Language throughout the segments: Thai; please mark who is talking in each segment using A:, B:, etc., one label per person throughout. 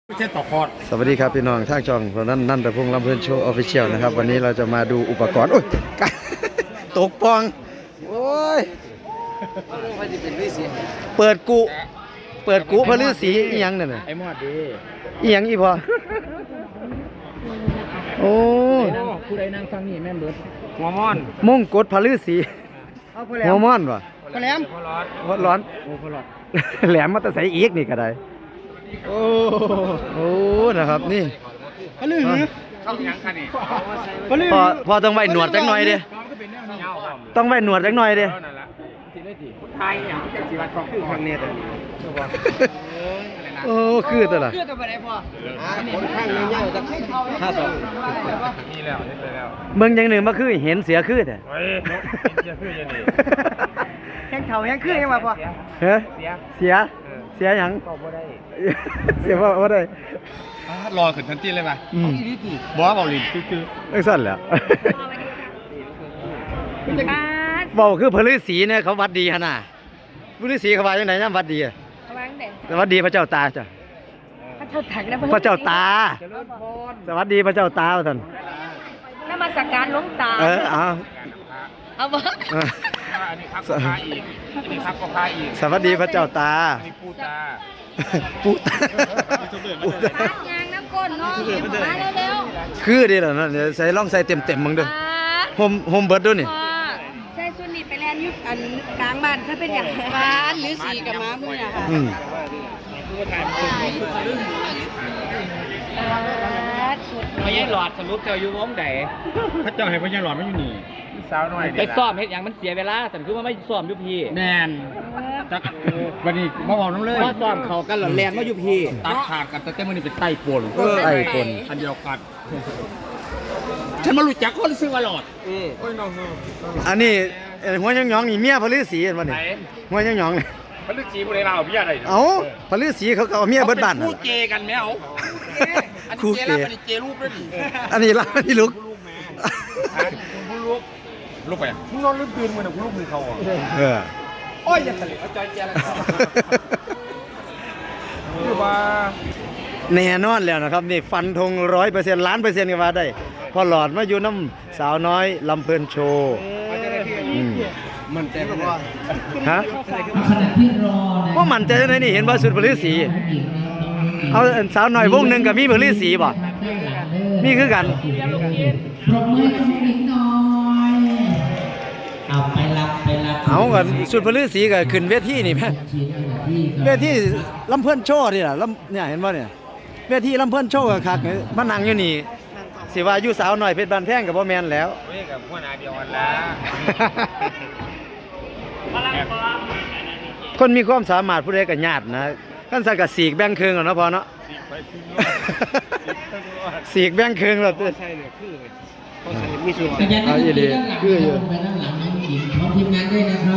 A: ไม่ใช่ต่อคอร์ด
B: สวัสดีครับพี่น้องทางช่องเรานั่นแต่พงษ์ลำเพลินโชว์ออฟฟิเชียลนะครับวันนี้เราจะมาดูอุปกรณ์โอ้ยตกปองโอ้ยเปิดกุพระฤาษีอีหยังนั่นน่ะ
A: ไอ้หมอดดี
B: อีหยังอีพอโอ้ย
A: ผู้ใดนั่งฟังนี่แม่นเบิดหัวม่อน
B: มงกฎพระฤาษีหัวม่อนวะ
A: พอแหลม
B: หัวร้อน
A: โอ้พอหลอด
B: แหลมมาแต่ใส่อีกนี่ก็ได้โอ้นะครับนี่
A: พะลือเข้ายังคันนี่พะลือ
B: พอต้องไว้หนวดจักหน่อยดิต้องไว้หนวดจักหน่อยดิ
A: นั่นละทีได้ทีไทยอย่างที่จีวัดของคือคอนเนตเลย
B: โอ้คือตัวละ
A: คือตัวไปไหนพ่อคนข้างเงี้ยๆจะ52นี่แล้วนี่ไปแล้ว
B: เมืองอย่างหนึ่งมาคือเห็นเสียคือแต่
A: เฮ้ยจะคือยังนี่
C: แข้งเข่าแข้งคือยังไงพ่อ
B: เฮ้ย
A: เสีย
B: เสียหยัง
A: ก็บ่ได้
B: เสียว่าได้
A: รอขึ้นทันทีเลยป่ะ
B: บ่เบาลิ้นคือไอ้สั่นแหละเบาคือพระฤาษีเนี่ยเขาวัดดีฮะน่ะพระฤาษีเขาว่าจังได๋ยามวัดดีอะ
C: วางเด่น
B: สวัสดีพระเจ้าตาจ้ะ
C: พระเจ้าถังนะ
B: พระเจ้าตาสวัสดีพระเจ้าตาท่าน
C: นมัสการหลวงตา
B: เอา
C: เอาบ่
A: อันนี้ครับก็พาอีกอันนี้ครับก็พาอีก
B: สวัสดีพระเจ้าตา
A: อันนี้ปูตา
B: ปูตา
C: ยางน้ำก้นเนาะมาเร็ว
B: คือดีแล้วนะเดี๋ยวใส่ลองใส่เต็มๆมึง
C: ๆ
B: เด้อโฮมเบิร์ดด้วยนี่
C: ใช่สุนิทไปแลนยุคอันกลางบ้านถ้าเป็นอย่างบ้านหรือสีกับม้ามืออะค่ะ
D: พญาหลอดสรุปเจ้าอยู่วงใด
A: พระเจ้าให้พญาหลอดไม่อยู่นี่สาวหน่อย
D: ไปซ่อมเฮ็ดหยังมันเสียเวลาสันคือว่าไม่ซ่อมอยู่พี่
A: แนนจักวันนี้มาบอกน้องเลย
D: ว่าซ่อมเขากันหลอนแลนมาอยู่พี่
A: ตัดขาดกันแต่มันนี่เป็นไต้ปน
B: ไอ้คน
A: อันเดียวกันฉันมารู้จักคนซื้อมาหลอดโอ้ยน้อง
B: อันนี้หัวหยองๆนี่เมียพระฤาษีเห็นบ่นี่หัวหยองๆนี่
A: มันลึกจีบุรีเราพี่อะไร
B: เอ้าพระฤาษีเขาก็เอาเมียเบิดบ้านนั่น
A: คู่
B: ล่ะ
A: เจกันไหมเอาอัน
B: คู่
A: นี้
B: เก
A: เจแล้วอันนี้เจรูปด้วยดิ
B: อันนี้ล่ะอันนี้ลูก
A: ลูกไปมึงนอนลืมตื่นมือหนึ่งลูกมือเขาอ่ะ
B: เออ
A: โอ้ยอย่าทะเลเอาใจเจแล้วคือว่า
B: แน่นอนแล้วนะครับนี่ฟันธง100%ล้านเปอร์เซ็นต์ก็ว่าได้พอหลอดมาอยู่น้ำสาวน้อยลำเพลินโชว์
A: มันใจว่า
B: ฮะว่ามันใจไหนนี่เห็นว่าสุดพระฤาษีเอาสาวน้อยวงหนึ่งกับมีพระฤาษีบ่มีคือกัน
E: ปรบมือให้น้องหญิงหน่อยเอาไปรับ
B: เอากันสุดพระฤาษีก็ขึ้นเวทีนี่แม่
E: ชิ้นที่
B: เวทีลำเพิ่นโชว์นี่ล่ะลำเนี่ยเห็นบ่เนี่ยเวทีลำเพิ่นโชว์ก็คักมานั่งอยู่นี่สิว่าอยู่สาวน้อยเพชรบ้านแพงก็บ่แม่นแล้ว
A: เว้ยกับพวกนาเดียวกันละ
B: คนมีความสามารถผู้ใดก็ญาตินะคันสักก็สีกแบ่งครึ่งเอาเนาะพอเนาะ สีกแบ่งครึ่งแล้ว
A: ใช่เลยคือเขาใส่มีส่วน
E: ขยันนั่งด้านหลังไปด้านหลังน้องหญิงพร้อมทีมงานด้วยนะครับ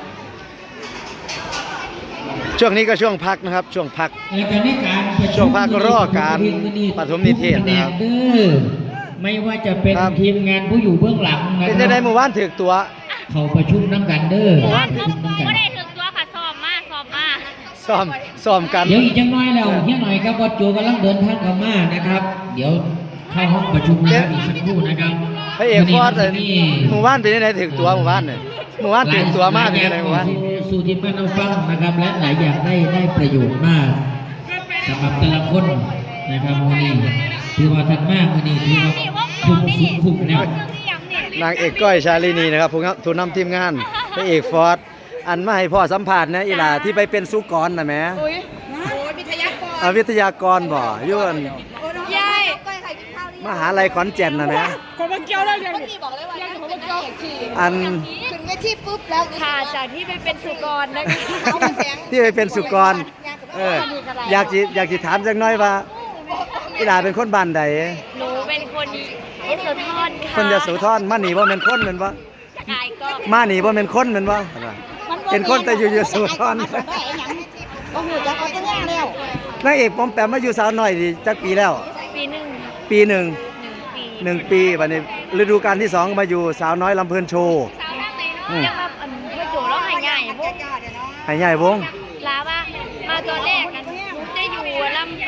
B: ช่วงนี้ก็ช่วงพักนะครับ ช่วงพัก
E: และการในการประชุม
B: ช่วงภาคก็รอการปฐมนิเทศนะครับ
E: เด้อไม่ว่าจะเป็น
B: ครับ
E: ทีมงานผู้อยู่เบื้องหลังนะ
B: เป็น
E: ค
B: จั
E: รั
B: งได๋เมื่อวานถึกตัว
E: เขาประชุมน้ำกันเด้อ
B: ว่า
E: ประชุมน้ำกัน
F: ไม่ได้ถึงตัวค่ะสอบมาสอบมา
B: ซ้อมกัน
E: เดี๋ยวอีกจังน้อยแล้วเฮียหน่อยครับบอสโจกำลังเดินทางเข้ามานะครับ เดี๋ยวเข้าห้องประชุมนะครับอีกสักครู่นะครับ
B: พระเอกฟอร์ด
E: วันนี้
B: เมื่อวานเป็นจังได๋ถึกตัวเมื่อวานเนี่ยเมื่อวานถึกตัวมากเป็นจังได๋เมื่อวาน
E: สู่ทีมงานเราฟังนะครับ และหลายอย่างได้ประโยชน์มากสำหรับแต่ละคนนะครับวันนี้ถือว่าทันมากวันนี้ถือว่าคุ้มแนว
B: นางเอกก้อยชาลินีนะครับผู้นำทีมงานพระเอกฟอร์ดอันมาให้พ่อสัมภาษณ์นะอีหล่าที่ไปเป็นสุกรน่ะแหม
C: โอ้ยวิทยากร
B: วิทยากรบ่อยู่อัน
C: ยาย
B: มหาลัยขอนแก่นน่ะแหม
C: คนมาเกี่ยวแล้วยังบอกเลยว่ายังคนมาเกี่ยว
B: อัน
C: ขึ้นเวทีปุ๊บแล้วค่ะจากที่ไปเป็นสุกรนะคะ
B: ที่ไปเป็นสุกรอยากสิถามจักหน่อยว่าอีหล่าเป็นคนบ้านใด
F: หนูเป็นคนยโสธรค่ะ
B: คนยโสธรมานี่บ่แม่นคนแม่นบ่
F: กายก็
B: มานี่บ่แม่นคนแม่นบ่เป็นคนแต่อยู่ยโสธร
C: ก็หูจักเขาจะย่างแล้ว
B: นางเอกปอมแปมมาอยู่สาวน้อยนี่จักปีแล้ว
F: ปีหนึ่ง
B: ปีหนึ่ง
F: หนึ่งปี
B: 1 ปีบัดนี้ฤดูกาลที่2มาอยู่สาวน้อยลำเพลินโชว์
F: สาวนั่งในเนาะยังมาพ่อโจแล้วหายใหญ่พวก
B: ให้ใหญ่วง
F: ลาว่ามาตัวแรกกันหนูจะอยู่ลำเป็น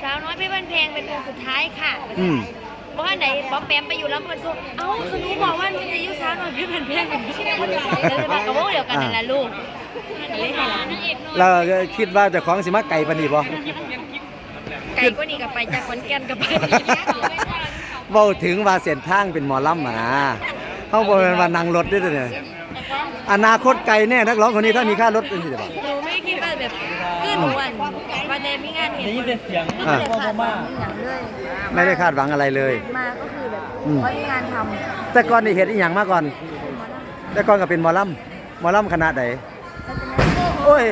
F: สาวน้อยเพชรบ้านแพงเป็นวงสุดท้ายค่ะ
B: อืม
F: เพราะว่าไหนป๊อปแปมไปอยู่ลำเพลินโซ่เอ้าคือหนูบอกว่าหนูจะอยู่สาวน้อยเพชรบ้านแพงเลยมากระโปงเดียวกันนั่นแหละลูกเลยให้หลาน
B: เราคิดว่าเจะของสิมาไก่ปานนี้บ่
F: ไก่ก็นี่กับไปจากขอนแก่นกับไป
B: เว้าถึงว่าเส้นทางเป็นหมอลำนะเฮาบ่แม่นว่านั่งรถเด้อเนี่ยอนาคตไกลแน่นักร้องคนนี้ถ้ามีค่ารถเป็นสิบ่
F: หนูไม่คิดว่าแบบขึ้นหนูวันเดมีงานเห็น
D: ได้ยินแต่เสียง
F: ไม่ได้ขาดหวังอย่างเลย
B: ไม่ได้คาดหวังอะไรเลย
F: มาก็คือแบบ
B: อืม
F: ว่ามีงานท
B: แต่ก่อนนี่เฮ็ดอีหยังมาก่อน แต่ก่อนก็เป็นหมอลำคณะใด
F: ำ
B: โอ้ย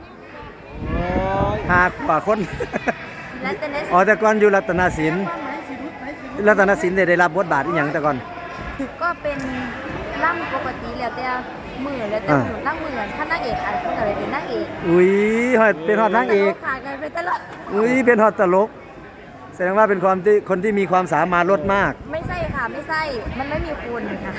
B: หากว่าคน
F: แล้วแต่นั้น
B: อ๋อแต่ก่อนอยู่รัตนศิลป์ได้รับบทบาทอีหยังแต่ก่อน
F: ก็เป็นล่ำปกติแล้วแต่มือแล้วแต่หนูล่ำมือถ้านางเอกอะไรก็เลยเป็นนางเอก
B: อุ้ยเป็นฮอดนางเอก
F: ขาดกันไปตลอด
B: อุ้ยเป็นฮอดตลก แสดงว่าเป็นคนที่มีความสามารถลดมาก
F: ไม่ใช่ค่ะไม่ใช่มันไม่มีคุณค่ะ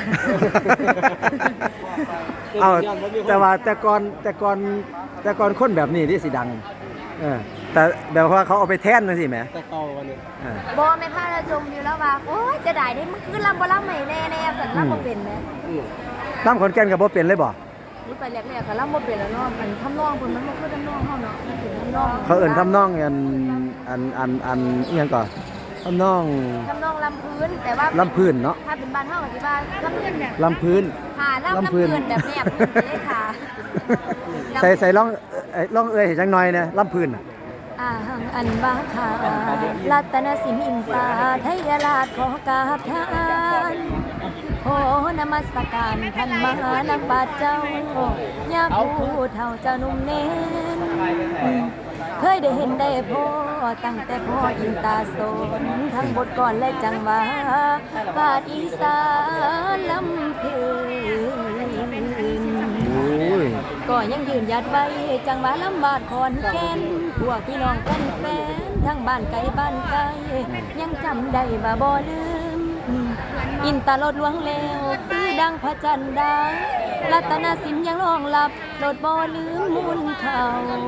B: เอาแต่ก่อนคนแบบนี้ที่สิดังแต่แบบว่าเขาเอาไปแท่นนั่นสิแหม
A: แต่เก่าวันนี้
F: บอไม่พลาดจมอยู่แล้วว่าโอ้ยจะได้ได้มันคือลำบ่ลำใหม่แน่ๆสันลำบ่เป็นไหม
B: ตั้มขอนแก่นกับบ่เป็นเลยบ่
F: รู้ไปแรกๆก็ลำบ่เป็นแล้วเนาะมันทำนองเพิ่นมันบ่คือทำนองเฮาเนาะมันเป็นทำนอง
B: เขาเอิ่นทำนองอันอีหยังก่อนทำนอง
F: ทำนองลำพื้นแต่ว่า
B: ลำพื้นเนาะ
F: ถ้าเป็นบ้านเฮาก็สิว่าลำพื้นเนี่ย
B: ลำพื้น
F: ค่ะลำพื้นแบบแนบพื้นไปเลยค่ะ
B: ใส่ร้องเอ้ยให้จังหน่อยนะลำพื้นน่ะ
F: อาหังอันบาคารัตนสินอินตาไทยราชขอกราบทานโอ้นมัสการท่านมหานักบาทเจ้ายาผู้เฒ่าเจ้านุ่มเน้นเคยได้เห็นได้พ่อตั้งแต่พ่ออินตาโซนทั้งบทก่อนและจังหวะบาทอีสานลำเพลิน
B: โอ้ย
F: ก็ยังยืนหยัดไว้จังหวะลำบากขอนแก่นพวกพี่น้องกันแฟนทั้งบ้านไกลบ้านไกลยังจำได้ว่าบ่ลืมอินตาลดลวงแล้วคือดังพระจันทร์ดารัตนสินยังรองรับโลดบ่ลืมมูลเขา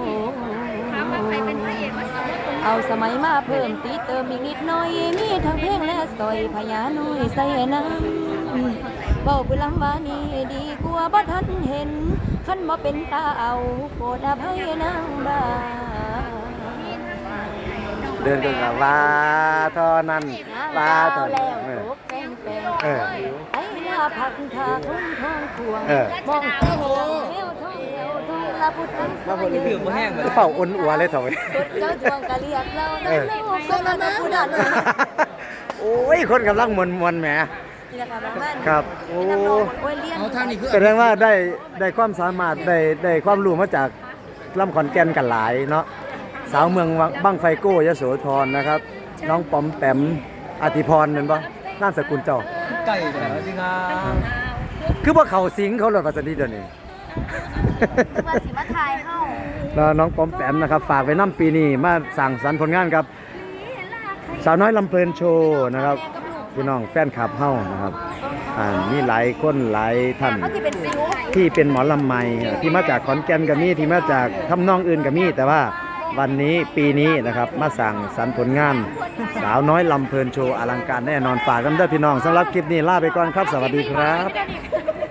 F: เอาสมัยมาเพิ่มตีเติมอีกนิดหน่อยมีทั้งเพลงและสอยพญานุยใส่น้ำเบาผู้ลำว่านี่ดีกว่าบ่ทันเห็นคันบ่เป็นตาเอาโปรดอภัยนางบ้า
B: เดินกันกับว่าเท่านั้นว่าเท่า
F: แล้
B: นั้น
F: วตกแป้งแป้ง
B: เออ
F: ไอ้ลาผักทาทุ่งทองควง
B: เออ
F: มองเต้าเอวทองเอวทองลาพุทธังสมัย
D: ดื่มบ่แห้งเลย
B: เฝ้าอ้นอัวเลยเถอะ
F: เจ้าจวงกะเรียกเราได้ลูกสมณพุทธัน
B: โอ้ยคนกำลังมวนแหม
F: นี่แหละค่ะบ้าน
B: ครับโอ้
F: น้ำนองโอ้ยเลี้ยง
A: เอาทางนี้คือ
B: แสดงว่าได้ความสามารถได้ความรู้มาจากลำขอนแก่นกันหลายเนาะสาวเมืองบั้งไฟโก้ยโสธรนะครับ น้องปอมแปมอธิพรนั่นปะนามสกุลเจ้า
D: ไก่แต่จริงอ่ะ
B: คือว่าเขาสิงเขาหลดภาษาดีเดี๋ยวนี้
F: คือว่าสิมาทายเฮา
B: แล้วน้องปอมแปมนะครับฝากไว้น้ำปีนี้มาสั่งสรรค์ผลงานครับ สาวน้อยลำเพลินโชว์นะครับพี่น้องแฟนคลับเฮ้านะครับมีหลายคนหลายท่าน
F: เขาที่เป็นซิว
B: ที่เป็นหมอลำใหม่ที่มาจากขอนแก่นก็มีที่มาจากทำนองอื่นก็มีแต่ว่าวันนี้ปีนี้นะครับมาสั่งสรรค์ผลงาน สาวน้อยลำเพลินโชว์อลังการแน่นอนฝากกันด้วยพี่น้องสำหรับคลิปนี้ลาไปก่อนครับสวัสดีครับ